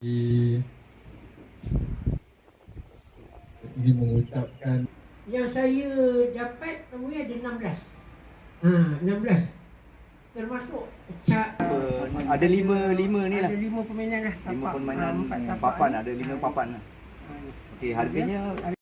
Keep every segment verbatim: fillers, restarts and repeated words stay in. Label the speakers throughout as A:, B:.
A: Ini mengucapkan
B: yang saya dapat namanya ada enam belas. Ha, enam belas. Termasuk ca-
C: ada lima lima ni lah.
B: ada lima permainan lah.
C: Lima
B: Tapak.
C: permainan
B: Ha, empat tapak
C: papan,
B: ni.
C: ada lima papan lah. Okey, harganya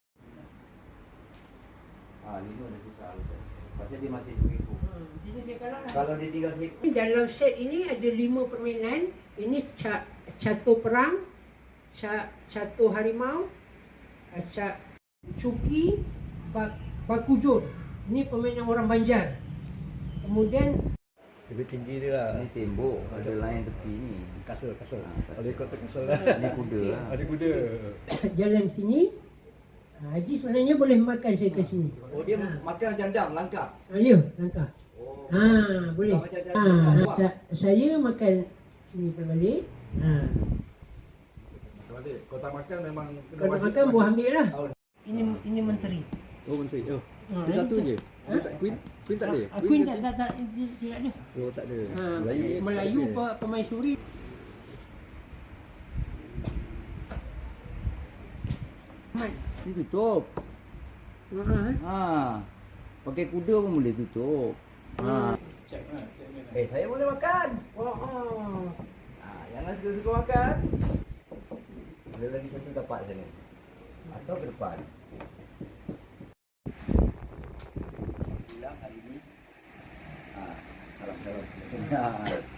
C: ah lima dah susah. Pasal dia masih mengikut.
B: Hmm, sini saya kalau lah.
C: Kalau dia tinggal sikit.
B: Dalam set ini ada lima permainan. Ini ca- catur perang, ca- catur harimau, ca- cuki, bak- bakujur. Ini permainan orang Banjar. Kemudian
D: Lebih tinggi dia lah.
C: Ni tembok, ada lain tepi ni.
D: Kasut, kasut.
C: Ah, kasut.
D: Ada ikut tu kasut lah.
C: Ni kuda lah.
D: Ada kuda.
B: jalan sini. Haji sebenarnya boleh makan saya ke sini.
C: Oh, dia makan jandam langkah.
B: Ha, ya, langkah.
C: Oh.
B: Ha, boleh.
C: Macam
B: Ha,
C: jandam.
B: sa- saya makan sini berbalik. Ha.
D: Balik. Kau tak makan memang kena
B: Kalau
D: wajib
B: makan buah ambil lah.
D: Oh.
B: Ini ini menteri.
E: Oh, menteri. Oh.
B: Ha,
E: Dia satu
B: ini-
E: je.
B: Ha?
E: Dia tak queen. Queen tak ada.
B: Ah, Queen tak tak tak dia- tidak ada.
E: Oh, tak ada.
B: Ha,
E: Melayu ni.
B: Melayu
E: tak ada.
B: pe- pemaisuri. Mat.
C: Ni tutup.
B: Ha.
C: Ha. Pakai kuda pun boleh tutup. Ha. Eh, saya boleh makan.
B: Oh, oh.
C: Ha, jangan suka-suka makan. Ada lagi satu tapak sana. Atau ke depan. Hilang hari ni. Ha, salam-salam. Ha.